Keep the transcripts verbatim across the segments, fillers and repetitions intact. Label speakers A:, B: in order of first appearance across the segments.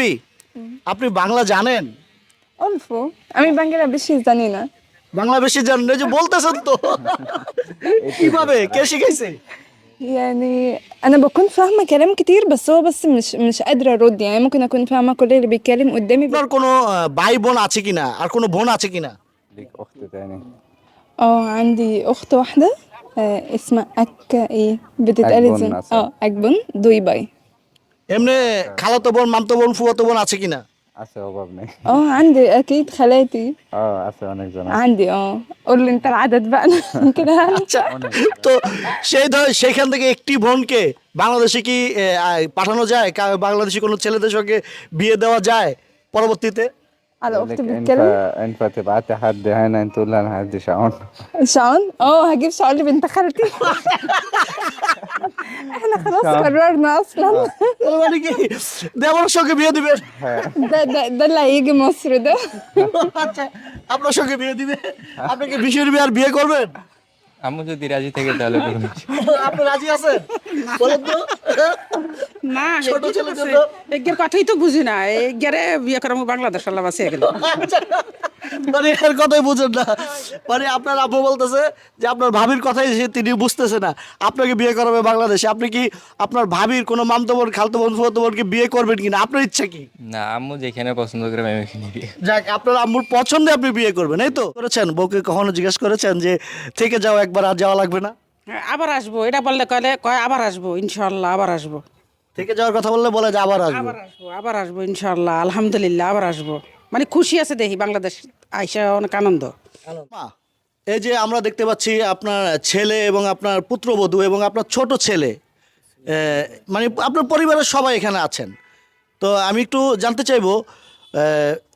A: ভাবি আপনি বাংলা জানেন?
B: অল্প, আমি বাংলা বেশি জানি না।
A: বাংলা বেশি জানেন এই যে বলতেছেন তো। কিভাবে কে শিখাইছে?
B: يعني أنا بكون فاهمة كلام كتير بس هو بس مش مش قادرة أرد، يعني ممكن أكون فاهمة كل اللي بيتكلم قدامي بس.
A: আপনার কোনো আহ, ভাই বোন আছে কিনা আর কোনো বোন আছে কিনা?
C: ليك أخت تاني؟
B: اه عندي أخت واحدة، آه اسمها أك إيه بتتقال
C: أكبن
B: ازاي؟
C: مثلا.
B: اه أكبن دوي باي.
A: এমনি খালাতো বোন মামতো বোন ফুয়াতো বোন আছে কিনা?
C: আছে অভাব নেই।
B: اه عندي أكيد خالاتي.
C: اه আছে অনেকজন আছে।
B: عندي اه قول لي أنت العدد بقى أنا كده
A: আচ্ছা
C: অনেক।
A: তো সেই ধর সেখান থেকে একটি বোনকে বাংলাদেশে কি আহ, আহ, পাঠানো যায়? কা- বাংলাদেশি কোনো ছেলেদের সঙ্গে বিয়ে দেওয়া যায় পরবর্তীতে?
B: على
C: بقول
B: أخت
C: لك
B: بتتكلم.
C: ينفع ينفع تبعتي حد هنا تقول له انا هدي شعون.
B: شعون، اه هجيب شعون لبنت خالتي. احنا خلاص
C: شعون.
B: قررنا اصلا.
A: তার মানে কি দেওয়ার সঙ্গে বিয়ে দিবেন?
B: ده ده ده اللي هيجي مصر ده.
A: আচ্ছা আপনার সঙ্গে বিয়ে দিবে? আপনি কি বিশের বিয়ে আর বিয়ে করবেন?
D: আম্মু যদি রাজি থাকে তাহলে করুন।
A: আপনি রাজি আছেন? বলেন তো।
E: না
A: ছোট ছেলের জন্য
E: এগের কথাই তো বুঝি না এগেরে বিয়ে করাম বাংলাদেশ আল্লাহ বাঁচিয়ে গেল।
A: আচ্ছা, মানে এর কথাই বুঝেন না। মানে আপনার আব্বু বলতেছে যে আপনার ভাবির কথাই সে তিনি বুঝতেছে না, আপনাকে বিয়ে করাবে বাংলাদেশে। আপনি কি আপনার ভাবির কোনো মামতো বোন খালতো বোন ফুয়াতো বোনকে বিয়ে করবেন কিনা? আপনার ইচ্ছা কি?
D: না, আম্মু যেখানে পছন্দ করে আমি ওইখানে বিয়ে।
A: যাক আপনার আম্মুর পছন্দে আপনি বিয়ে করবেন, এই তো করেছেন? বউকে কখনো জিজ্ঞেস করেছেন যে থেকে যাও একবার আর যাওয়া লাগবে না?
E: হ্যাঁ, আবার আসবো এটা বললে কলে কয় আবার আসবো ইনশাল্লাহ আবার আসবো
A: থেকে যাওয়ার কথা বললে বলে যে আবার আসবো।
E: আবার আসবো আবার আসবো ইনশাল্লাহ আলহামদুলিল্লাহ আবার আসবো, মানে খুশি আছে দেখি বাংলাদেশ আইসা অনেক আনন্দ।
A: মা, এই যে আমরা দেখতে পাচ্ছি আপনার ছেলে এবং আপনার পুত্রবধূ এবং আপনার ছোট ছেলে, এ, মানে আপনার পরিবারের সবাই এখানে আছেন। তো আমি একটু জানতে চাইবো, এ,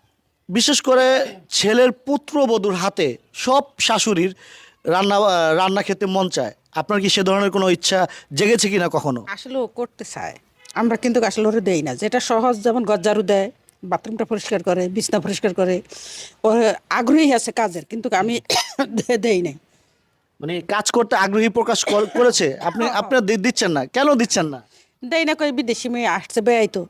A: বিশেষ করে ছেলের পুত্রবধূর হাতে সব শাশুড়ির রান্না রান্না খেতে মন চায়। আপনার কি সে ধরনের কোনো ইচ্ছা জেগেছে কিনা কখনো?
E: আসলে ও করতে চায়, আমরা কিন্তু আসলে ওরে দেই না। যেটা সহজ, যেমন গজ্জারু দেয়, বাথরুমটা পরিষ্কার করে, বিছনা পরিষ্কার করে, ওর আগ্রহী আছে কাজের, কিন্তু আমি দে- দেই নাই।
A: মানে কাজ করতে আগ্রহী প্রকাশ কর- করেছে, আপনি আপনার দি- দিচ্ছেন না কেন? দিচ্ছেন না?
E: দেই না কই বিদেশি মেয়ে আসছে বেয়াই তো,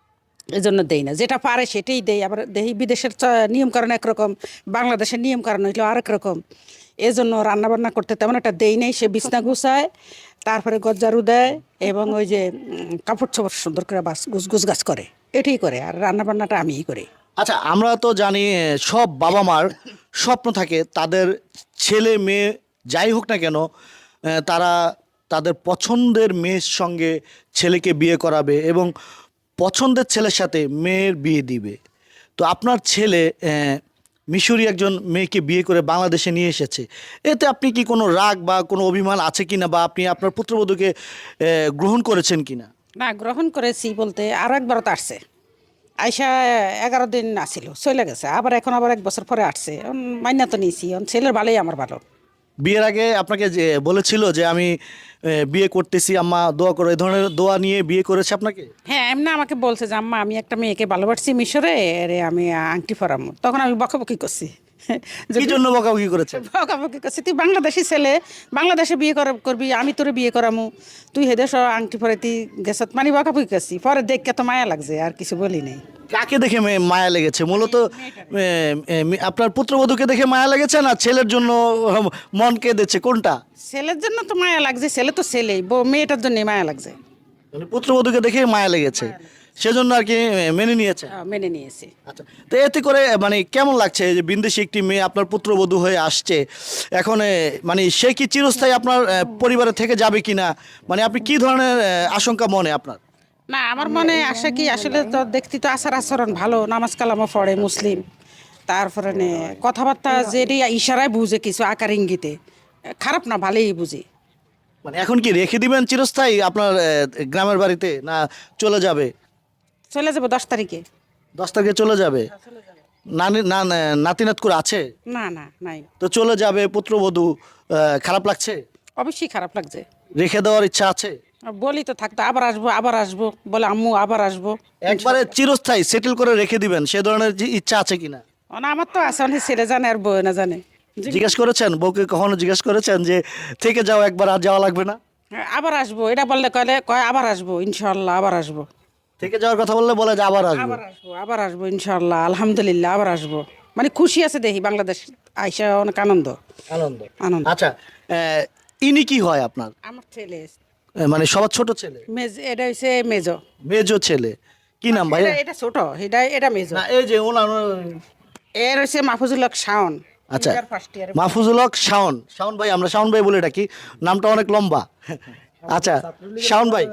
E: এই জন্য দেই না। যেটা পারে সেটাই দেই। আবার দেই বিদেশের চ- নিয়মকানুন একরকম, বাংলাদেশের নিয়মকানুন হইলো আরেক রকম। এই জন্য রান্নাবান্না করতে তেমন একটা দেই নাই। সে বিছনা গুছায়, তারপরে গজ্জারু দেয় এবং ওই যে উম, কাপড় চোপড় সুন্দর করে বাস গুছ গুছ গাছ করে, এটাই করে। আর রান্নাবান্নাটা আমিই করি।
A: আচ্ছা আমরা তো জানি এ, সব বাবা মার স্বপ্ন থাকে তাদের ছেলে মেয়ে যাই হোক না কেন, এ, তারা তাদের পছন্দের মেয়ের সঙ্গে ছেলেকে বিয়ে করাবে এবং পছন্দের ছেলের সাথে মেয়ের বিয়ে দিবে। তো আপনার ছেলে এ, মিশরি একজন মেয়েকে বিয়ে করে বাংলাদেশে নিয়ে এসেছে, এতে আপনি কি কোনো রাগ বা কোনো অভিমান আছে কিনা, বা আপনি আপনার পুত্রবধূকে এ, গ্রহণ করেছেন কিনা?
E: না, গ্রহণ করেছি বলতে আরও একবার তো আসছে। আইসা এগারো দিন আসিল, চলে গেছে। আবার এখন আবার এক বছর পরে আসছে। এখন মাইনা তো নিয়েছি, এখন ছেলের ভালোই আমার ভালো।
A: বিয়ের আগে আপনাকে যে বলেছিল যে আমি এ, বিয়ে করতেছি আম্মা দোয়া করো, এই ধরনের দোয়া নিয়ে বিয়ে করেছে আপনাকে?
E: হ্যাঁ, এমনি আমাকে বলছে যে আম্মা আমি একটা মেয়েকে ভালোবাসছি মিশরে, রে আমি আংটি পরামো। তখন আমি বকাবকি করছি। যে
A: কি জন্য বকাবকি করেছেন?
E: বকাবকি করছি, তুই বাংলাদেশি ছেলে, বাংলাদেশে বিয়ে করা করবি, আমি তোরে বিয়ে করামু, তুই হেদেশ আংটি পরে তুই গেছত, মানে বকাবকি করছি। পরে দেখকে তো মায়া লাগছে, আর কিছু বলি নাই।
A: কাকে দেখে মে- মায়া লেগেছে মূলত? এ, এ, আপনার পুত্রবধূকে দেখে মায়া লেগেছে না ছেলের জন্য উম, মন কেঁদেছে, কোনটা?
E: ছেলের জন্য তো মায়া লাগছে, ছেলে তো ছেলেই, বউ মেয়েটার জন্য মায়া লাগছে।
A: মানে পুত্রবধূকে দেখে মায়া লেগেছে, সেজন্য আর কি এ, মেনে নিয়েছে।
E: আহ, মেনে নিয়েছি।
A: আচ্ছা, তো এতে করে মানে কেমন লাগছে যে বিন্দেশি একটি মেয়ে আপনার পুত্রবধূ হয়ে আসছে এখন, এ, মানে সে কি চিরস্থায়ী আপনার এ, পরিবারে থেকে যাবে কিনা, মানে আপনি কি ধরনের এ, আশঙ্কা মনে আপনার?
E: না, আমার মনে আসে কি, আসলে তো দেখতে তো আচার আচরণ ভালো, নামাজ কালামও পড়ে, মুসলিম। তারপরে নে কথাবার্তা যেটি ইশারায় বুঝে, কিছু আকার ইঙ্গিতে, খারাপ না, ভালোই বুঝি।
A: মানে এখন কি রেখে দিবেন চিরস্থায়ী আপনার এ, গ্রামের বাড়িতে, না চলে যাবে?
E: চলে যাবো দশ তারিখে।
A: দশ তারিখে চলে যাবে? নানি না না- নাতিনাত করে আছে?
E: না না, নাই।
A: তো চলে যাবে পুত্রবধূ, আহ, খারাপ লাগছে?
E: অবশ্যই খারাপ লাগছে।
A: রেখে দেওয়ার ইচ্ছা আছে?
E: বলি তো থাকতো আবার আসবো আবার আসবো বলে, আম্মু আবার আসবো।
A: একবারে চিরস্থায়ী সেটেল করে রেখে দিবেন সে ধরনের যে ইচ্ছা আছে কিনা?
E: ও না, আমার তো আছে, অনেক ছেলে জানে আর বউ না জানে।
A: জিজ্ঞেস করেছেন বউকে, কখনো জিজ্ঞেস করেছেন যে থেকে যাও একবার আর যাওয়া লাগবে না?
E: হ্যাঁ, আবার আসবো এটা বললে কলে কয় আবার আসবো ইনশাল্লাহ আবার আসবো।
A: থেকে যাওয়ার কথা বললে বলে যে আবার আসবো।
E: আবার আসবো আবার আসবো ইনশাল্লাহ, আলহামদুলিল্লাহ আবার আসবো, মানে খুশি আছে দেখি বাংলাদেশ আইসা অনেক আনন্দ
A: আনন্দ।
E: আনন্দ।
A: আচ্ছা, আহ, ইনি কি হয় আপনার?
E: আমার ছেলে
A: আহ, মানে সবার ছোট ছেলে,
E: মেজ, এটা হচ্ছে মেজো।
A: মেজো ছেলে, কি নাম ভাই?
E: এটা- এটা ছোট, এটা এটা মেজো।
A: না এই যে ওনার
E: এর হচ্ছে মাহফুজুল হক শাওন।
A: আচ্ছা,
E: ফার্স্ট ইয়ার।
A: মাহফুজুল হক শাওন। শাওন ভাই, আমরা শাওন ভাই বলে ডাকি, নামটা অনেক লম্বা। আচ্ছা শাওন ভাই,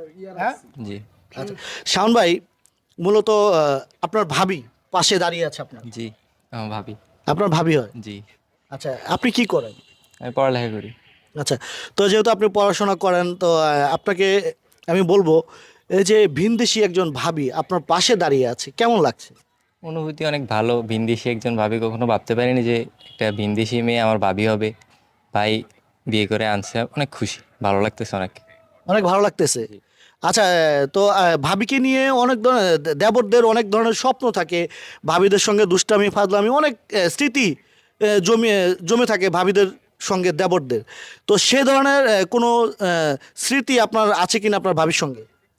D: জি
A: আচ্ছা শাওন ভাই, মূলত আহ, আপনার ভাবি পাশে দাঁড়িয়ে আছে আপনার,
D: জি আমার ভাবি।
A: আপনার ভাবি হয়।
D: জি
A: আচ্ছা, আপনি কি করেন?
D: আমি পড়ালেখা করি।
A: আচ্ছা, তো যেহেতু আপনি পড়াশোনা করেন, তো আহ, আপনাকে আমি বলবো, এই যে ভিনদেশি একজন ভাবি আপনার পাশে দাঁড়িয়ে আছে, কেমন লাগছে?
D: অনুভূতি অনেক ভালো। ভিনদেশি একজন ভাবি, কখনো ভাবতে পারিনি যে একটা ভিনদেশি মেয়ে আমার ভাবি হবে। ভাই বিয়ে করে আনছে, অনেক খুশি, ভালো লাগতেছে অনেক।
A: অনেক ভালো লাগতেছে। আচ্ছা, তো আহ, ভাবিকে নিয়ে অনেক ধরনের, দেবরদের অনেক ধরনের স্বপ্ন থাকে, ভাবিদের সঙ্গে দুষ্টামি ফাজলামি অনেক আহ, স্মৃতি আহ, জমে জমে থাকে ভাবিদের সঙ্গে দেবরদের। তো সে ধরনের আহ, কোনো আহ, স্মৃতি আপনার আছে কিনা আপনার ভাবির সঙ্গে?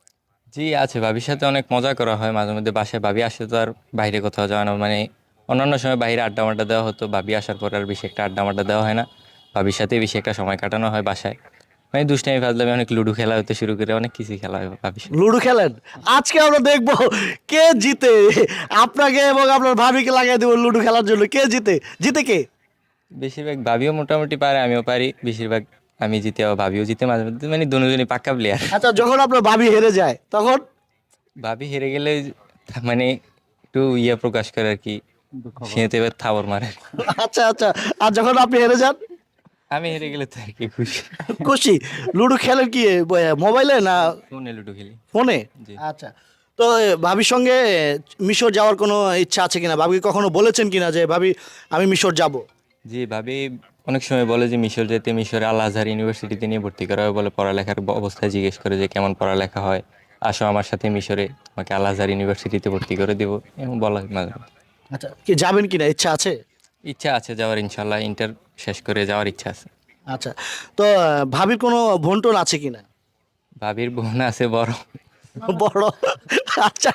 D: জি আছে, ভাবির সাথে অনেক মজা করা হয় মাঝে মধ্যে। বাসায় ভাবি আসলে তো আর বাইরে কোথাও যাওয়া না, মানে অন্যান্য সময় বাইরে আড্ডা মাড্ডা দেওয়া হতো, ভাবি আসার পর আর বেশি একটা আড্ডা মাড্ডা দেওয়া হয় না। ভাবির সাথে বেশি একটা সময় কাটানো হয় বাসায়, মানে দুষ্টামি ফাজলামি, অনেক লুডো খেলা হতে শুরু করে অনেক কিছুই খেলা হয় ভাবির সাথে।
A: লুডো খেলেন? আজকে আমরা দেখবো কে জিতে, আপনাকে এবং আপনার ভাবিকে লাগাই দেবো লুডো খেলার জন্য। কে জিতে? জিতে কে?
D: বেশিরভাগ ভাবিও মোটামুটি পারে, আমিও পারি। বেশিরভাগ আমি জিতে, আবার ভাবিও জিতে মাঝে মধ্যে, মানে দুজনই পাক্কা প্লেয়ার।
A: আচ্ছা, যখন আপনার ভাবি হেরে যায় তখন?
D: ভাবি হেরে গেলে মানে একটু ইয়ে প্রকাশ করে আর কি, সেতে এবার থাবর মারে।
A: আচ্ছা আচ্ছা, আর যখন আপনি হেরে যান?
D: আমি হেরে গেলে তো আর কি খুশি।
A: খুশি। লুডো খেলেন কি এ, মোবাইলে না
D: ফোনে লুডো খেলি।
A: ফোনে?
D: জি।
A: আচ্ছা, তো এ, ভাবির সঙ্গে এ, মিশর যাওয়ার কোনো ইচ্ছা আছে কিনা? ভাবি কখনো বলেছেন কিনা যে ভাবি আমি মিশর যাব?
D: জি, ভাবি অনেক সময় বলে যে মিশর যেতে, মিশরে আল আজহার ইউনিভার্সিটিতে নিয়ে ভর্তি করা হয় বলে। পড়ালেখার ব- অবস্থায় জিজ্ঞেস করে যে কেমন পড়ালেখা হয়, আসো আমার সাথে মিশরে, তোমাকে আল আজহার ইউনিভার্সিটিতে ভর্তি করে দেবো, এমন বলা হয় মাঝে মাঝে।
A: আচ্ছা, কি যাবেন কিনা, ইচ্ছা আছে?
D: ইচ্ছা আছে যাওয়ার, ইনশাল্লাহ ইন্টার শেষ করে যাওয়ার ইচ্ছা আছে।
A: আচ্ছা, তো আহ, ভাবির কোনো বোন টোন আছে কিনা?
D: ভাবির বোন আছে বড়।
A: বড়? আচ্ছা,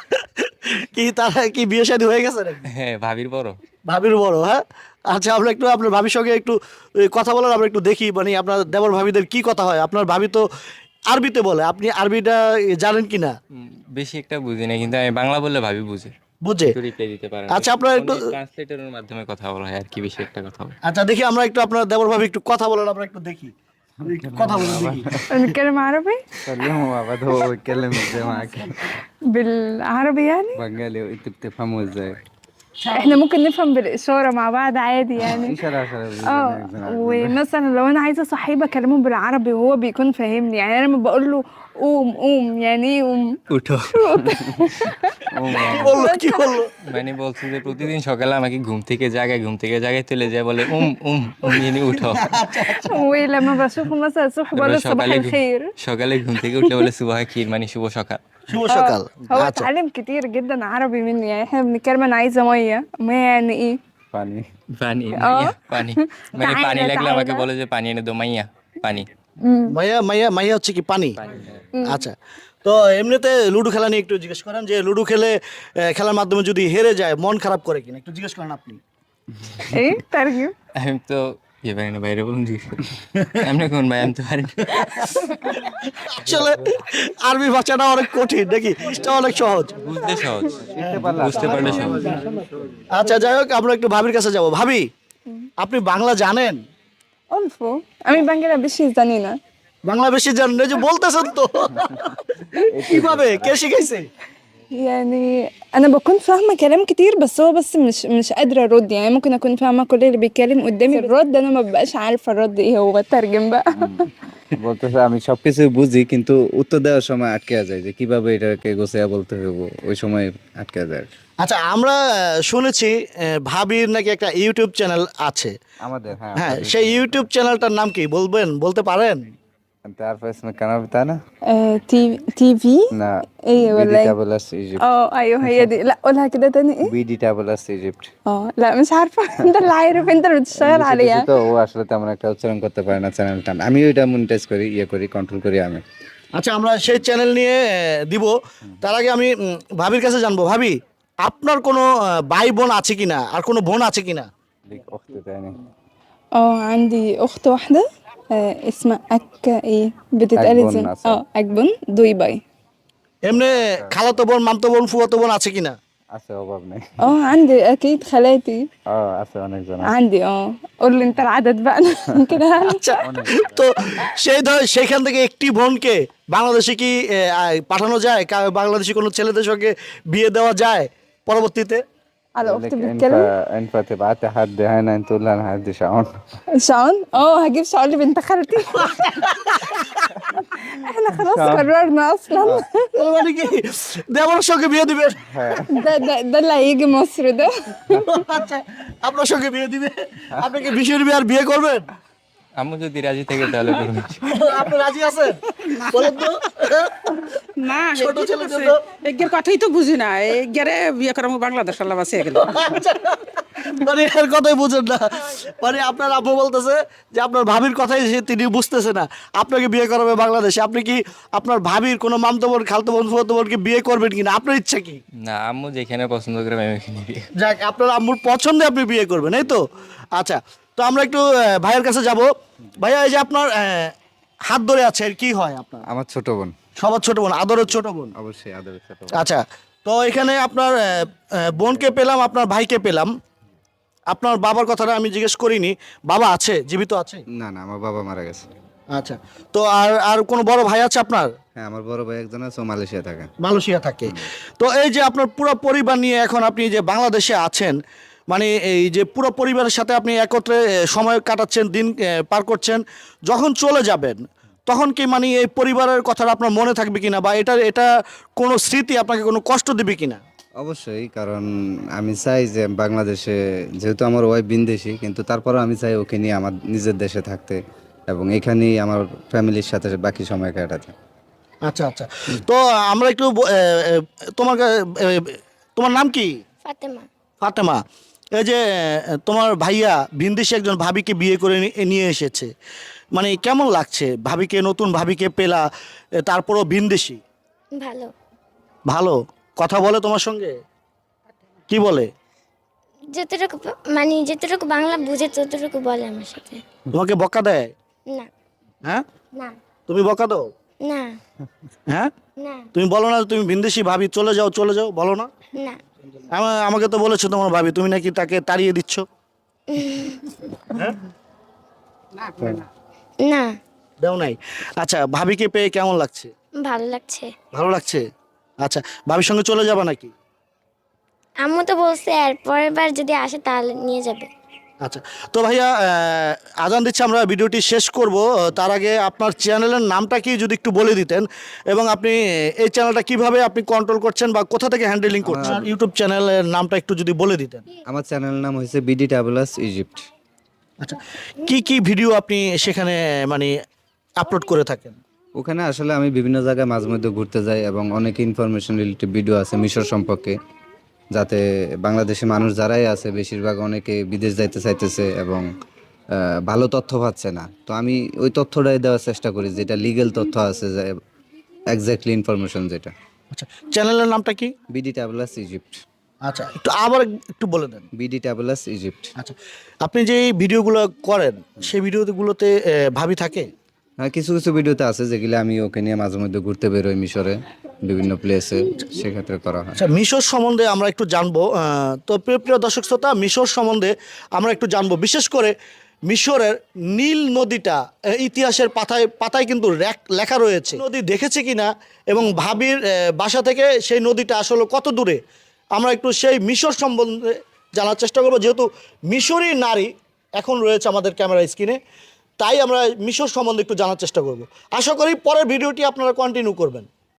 A: কি তারা কি বিয়ে শাদী হয়ে গেছে নাকি?
D: হ্যাঁ, ভাবির বড়।
A: ভাবির বড়, হ্যাঁ। আচ্ছা, আমরা একটু আপনার ভাবির সঙ্গে একটু এ, কথা বলার, আমরা একটু দেখি মানে আপনার দেবর ভাবিদের কি কথা হয়। আপনার ভাবি তো আরবিতে বলে, আপনি আরবিটা এ, জানেন কিনা?
D: উম, বেশি একটা বুঝি না, কিন্তু আমি বাংলা বললে ভাবি বুঝে,
A: বুঝে?
D: একটু রিপ্লাই দিতে পারে।
A: আচ্ছা, আপনারা একটু
D: ট্রান্সলেটরের মাধ্যমে কথা বলা হয় আর কি, বেশি একটা কথা বলে।
A: আচ্ছা দেখি, আমরা একটু আপনার দেবর ভাবি একটু কথা বলেন, আমরা একটু দেখি, একটু কথা বলে দেখি।
B: نتكلم عربي
C: كلمه بعد هو يتكلم ازاي معاك
B: بالعربي يعني
C: بنجالي وانتوا بتفهموا ازاي
B: احنا ممكن نفهم بالإشارة مع بعض عادي يعني
C: في شرح شرح
B: اه ومثلا لو انا عايزه صاحبي اكلمه بالعربي وهو بيكون فاهمني، يعني انا لما بقول له قوم قوم يعني ايه قوم
D: উঠো।
A: কি বললো কি বললো?
D: মানে বলছে যে প্রতিদিন সকালে আমাকে ঘুম থেকে জাগায়, ঘুম থেকে জাগায় তুলে যায়, বলে উম উম উম মানে উঠো।
B: ولما بشوفه مثلا الصبح بقول له
D: তারপরে
B: صباح
D: সকালে ঘুম-
B: الخير.
D: সকালে ঘুম থেকে উঠলে বলে সুবাহ খির, মানে শুভ সকাল।
A: শুভ
B: اه
A: সকাল।
B: هو
A: আচ্ছা,
B: اتعلم كتير جدا عربي مني، يعني احنا بنتكلم انا عايزه ميه ميه يعني ايه
C: فاني
D: পানি,
B: ও।
D: মাইয়া, পানি, মানে
B: তাই
D: পানি
B: না,
D: লাগলে
B: তাই
D: আমাকে
B: না।
D: বলে যে পানি এনে দো মাইয়া, পানি।
A: মাইয়া মাইয়া মাইয়া হচ্ছে কি পানি? আচ্ছা, তো এমনিতে লুডো খেলা নিয়ে একটু জিজ্ঞেস করেন, যে লুডো খেলে আহ, খেলার মাধ্যমে যদি হেরে যায় মন খারাপ করে কিনা, একটু জিজ্ঞেস করেন আপনি।
B: ايه ترجم.
D: আমি তো ইয়ে পারি না, বাইরে বলুন জিজ্ঞেস করি। এমনি কোন ভাই, আমি তো পারি না।
A: আসলে আরবি ভাষাটা অনেক কঠিন নাকি, এটা অনেক সহজ?
D: বুঝতে সহজ, বুঝতে পারলে সহজ।
A: আচ্ছা, যাই হোক, আমরা একটু ভাবির কাছে যাব। ভাবি, আপনি বাংলা জানেন?
B: অল্প, আমি বাংলা বেশি জানি না।
A: বাংলা বেশি জানেন, এই যে বলতেছেন তো। কিভাবে, কে শিখাইছে?
B: يعني انا بكون فاهمه كلام كتير بس هو بس مش مش قادره ارد، يعني ممكن اكون فاهمه كل اللي بيتكلم قدامي الرد انا ما ببقاش عارفه الرد ايه، هو بترجم بقى.
C: বলতেছে আমি সবকিছু বুঝি কিন্তু উত্তর দেওয়ার সময় আটকে যায় যে কিভাবে এটাকে গোছায়া বলতে হবে, ওই সময় আটকে যায়।
A: আচ্ছা, আমরা আহ, শুনেছি আহ, ভাবির নাকি একটা ইউটিউব চ্যানেল আছে।
C: আমাদের হ্যাঁ
A: হ্যাঁ, সেই ইউটিউব চ্যানেলটার নাম কি বলবেন, বলতে পারেন?
C: انت عارفه اسم القناه بتاعنا؟
B: آه تي تي في
C: لا
B: ايه ولا
C: بي دي
B: ايه؟
C: تابل اس ايجيبت.
B: اه ايوه هي دي، لا قولها كده تاني ايه؟
C: بي دي تابل اس ايجيبت.
B: اه لا مش عارفه. انت اللي عارف، انت اللي بتشتغل عليها.
C: তো ও আসলে তেমন একটা উচ্চারণ করতে পারে না চ্যানেলটা, আমি ওইটা মনিটাইজ করি, ইয়ে করি, কন্ট্রোল করি আমি।
A: আচ্ছা আমরা সেই চ্যানেল নিয়ে আহ, দিব। তার আগে আমি উম, ভাবির কাছে জানবো, ভাবি আপনার কোনো আহ, ভাই বোন আছে কিনা, আর কোনো বোন আছে কিনা?
C: লিক অখতে তাইনি
B: اه عندي أخت واحدة آه اسمها أك إيه بتتقال
C: أكبن
B: ازاي؟
C: مثلا.
B: اه أكبن دوي باي.
A: এমনি খালাতো বোন, মামতো বোন, ফুয়াতো বোন আছে কিনা?
C: আছে অভাব নেই
B: اه عندي أكيد خالاتي
C: ও আছে অনেকজন আছে।
B: عندي اه قول لي أنت العدد بقى أنا كده هعرف.
A: আচ্ছা, তো সেই ধর সেইখান থেকে একটি বোনকে বাংলাদেশে কি আহ, আহ, পাঠানো যায়? কা- বাংলাদেশি কোনো ছেলেদের সঙ্গে বিয়ে দেওয়া যায় পরবর্তীতে?
B: على
C: يقول
B: أختي
C: لك
B: بتتكلم
C: ينفع ينفع تبعتي حد هنا انت تقول لها انا هدي شعون
B: شعون. اه هجيب شعون لبنت خالتي. احنا خلاص
C: شعون.
B: قررنا أصلا.
A: তার মানে কি দেওয়ার সঙ্গে বিয়ে দিবেন?
B: ده ده ده اللي هيجي مصر ده.
A: আচ্ছা, আপনার সঙ্গে বিয়ে দিবে? আপনি কি বিশের বিয়ে আর বিয়ে করবেন?
D: আম্মু যদি রাজি থাকে তাহলে করুন।
A: আপনি রাজি আছেন? বলেন তো।
E: না
A: ছোট ছেলের জন্য।
E: এগের কথাই তো বুঝি না, এগেরে বিয়ে করার বাংলাদেশ আল্লাহ আছে এগুলো।
A: আচ্ছা, মানে এর কথাই বুঝেন না, মানে আপনার আব্বু বলতেছে যে আপনার ভাবির কথাই সে তিনি বুঝতেছে না, আপনাকে বিয়ে করাবে বাংলাদেশে। আপনি কি আপনার ভাবির কোনো মামতো বোন, খালতো বোন, ফুফাতো বোনকে বিয়ে করবেন কিনা? আপনার ইচ্ছা কি?
D: না, আম্মু যেখানে পছন্দ করে আমি ওখানে বিয়ে।
A: যাক, আপনার আম্মুর পছন্দে আপনি বিয়ে করবেন, এই তো। আচ্ছা, তো আমরা একটু আহ, ভাইয়ের কাছে যাব। ভাইয়া, এই যে আপনার আহ, হাত ধরে আছে, এর কি হয় আপনার?
C: আমার ছোট বোন
A: সবার ছোট বোন, আদরের ছোট বোন।
C: অবশ্যই আদরের ছোট বোন।
A: আচ্ছা, তো এখানে আপনার আহ, আহ, বোনকে পেলাম, আপনার ভাইকে পেলাম। আপনার বাবার কথাটা আমি জিজ্ঞেস করিনি। বাবা আছে, জীবিত আছে?
C: না না আমার বাবা মারা গেছে।
A: আচ্ছা, তো আর আর কোনো বড় ভাই আছে আপনার?
C: হ্যাঁ আমার বড় ভাই একজন আছে, ও মালয়েশিয়া থাকে।
A: মালয়েশিয়া থাকে। তো এই যে আপনার পুরো পরিবার নিয়ে এখন আপনি যে বাংলাদেশে আছেন, মানে এই যে পুরো পরিবারের সাথে আপনি একত্রে এ, সময় কাটাচ্ছেন, দিন এ, পার করছেন, যখন চলে যাবেন তখন কি মানে এই পরিবারের কথাটা আপনার মনে থাকবে কিনা, বা এটা এটা কোনো স্মৃতি আপনাকে কোনো কষ্ট দেবে কিনা?
C: অবশ্যই, কারণ আমি চাই যে বাংলাদেশে, যেহেতু আমার ওয়াইফ বিদেশি, কিন্তু তারপরও আমি চাই ওকে নিয়ে আমার নিজের দেশে থাকতে এবং এখানেই আমার ফ্যামিলির সাথে বাকি সময় কাটাতে।
A: আচ্ছা আচ্ছা, তো আমরা একটু ব- এ, এ, তোমার কা- এ, তোমার নাম কি?
F: ফাতেমা।
A: ফাতেমা, এই যে এ, তোমার ভাইয়া ভিনদেশি একজন ভাবিকে বিয়ে করে নি- নিয়ে এসেছে, মানে কেমন লাগছে ভাবিকে, নতুন ভাবিকে পেলা, এ, তারপরও ভিনদেশি?
F: ভালো।
A: ভালো। কথা বলে তোমার সঙ্গে? কি বলে?
F: যতটুকু প- মানে যতটুকু বাংলা বুঝে ততটুকু বলে আমার সাথে।
A: তোমাকে বকা দেয়?
F: না
A: হ্যাঁ,
F: না
A: তুমি বকা দাও?
F: না
A: হ্যাঁ,
F: না
A: তুমি বলো না তুমি ভিনদেশি ভাবি, চলে যাও চলে যাও, বলো না?
F: না
A: আমা- আমাকে তো বলেছো তোমার ভাবি, তুমি নাকি তাকে তাড়িয়ে দিচ্ছ। হ্যাঁ,
F: না
A: দেও নাই। আচ্ছা, ভাবিকে পেয়ে কেমন লাগছে?
F: ভালো লাগছে।
A: ভালো লাগছে। আচ্ছা, ভাবির সঙ্গে চলে যাবা নাকি?
F: আম্মু তো বলছে আর পরের বার যদি আসে তাহলে নিয়ে যাবে।
A: আচ্ছা, তো ভাইয়া আহ, আজান দিচ্ছে, আমরা ভিডিওটি শেষ করব। তার আগে আপনার চ্যানেলের নামটা কি যদি একটু বলে দিতেন, এবং আপনি এই চ্যানেলটা কিভাবে আপনি কন্ট্রোল করছেন বা কোথা থেকে হ্যান্ডেলিং করছেন, ইউটিউব চ্যানেলের নামটা একটু যদি বলে দিতেন।
C: আমার চ্যানেলের নাম হয়েছে বিডি ট্রাভেলার্স ইজিপ্ট।
A: আচ্ছা, কি কি ভিডিও আপনি সেখানে মানে আপলোড করে থাকেন?
C: ওখানে আসলে আমি বিভিন্ন জায়গায় মাঝে মধ্যে ঘুরতে যাই এবং অনেক ইনফরমেশন রিলেটেড ভিডিও আছে মিশর সম্পর্কে, যাতে বাংলাদেশে মানুষ যারাই আছে বেশিরভাগ অনেকে বিদেশ যাইতে চাইতেছে এবং আহ, ভালো তথ্য পাচ্ছে না। তো আমি ওই তথ্যটাই দেওয়ার চেষ্টা করি, যেটা লিগেল তথ্য আছে, যে এক্স্যাক্টলি ইনফরমেশন যেটা।
A: আচ্ছা, চ্যানেলের নামটা কি?
C: BD travellers Egypt.
A: আচ্ছা, একটু আবার একটু বলে দেন।
C: BD travellers Egypt.
A: আচ্ছা, আপনি যে এই ভিডিওগুলো করেন সেই ভিডিওগুলোতে আহ, ভাবি থাকে?
C: হ্যাঁ কিছু কিছু ভিডিওতে আছে যেগুলো আমি ওকে নিয়ে মাঝে মধ্যে ঘুরতে বেরোই মিশরে বিভিন্ন প্লেসে, সেক্ষেত্রে করা হয়।
A: আচ্ছা, মিশর সম্বন্ধে আমরা একটু জানবো। আহ, তো প্রিয় প্রিয় দর্শক শ্রোতা, মিশর সম্বন্ধে আমরা একটু জানবো, বিশেষ করে মিশরের নীল নদীটা আহ, ইতিহাসের পাতায় পাতায় কিন্তু রেক- লেখা রয়েছে। নদী দেখেছে কিনা এবং ভাবির আহ, বাসা থেকে সেই নদীটা আসলে কত দূরে, আমরা একটু সেই মিশর সম্বন্ধে জানার চেষ্টা করবো, যেহেতু মিশরি নারী এখন রয়েছে আমাদের ক্যামেরা স্ক্রিনে, তাই আমরা মিশর সম্বন্ধে একটু জানার চেষ্টা করব। আশা করি পরের ভিডিওটি আপনারা কন্টিনিউ করবেন।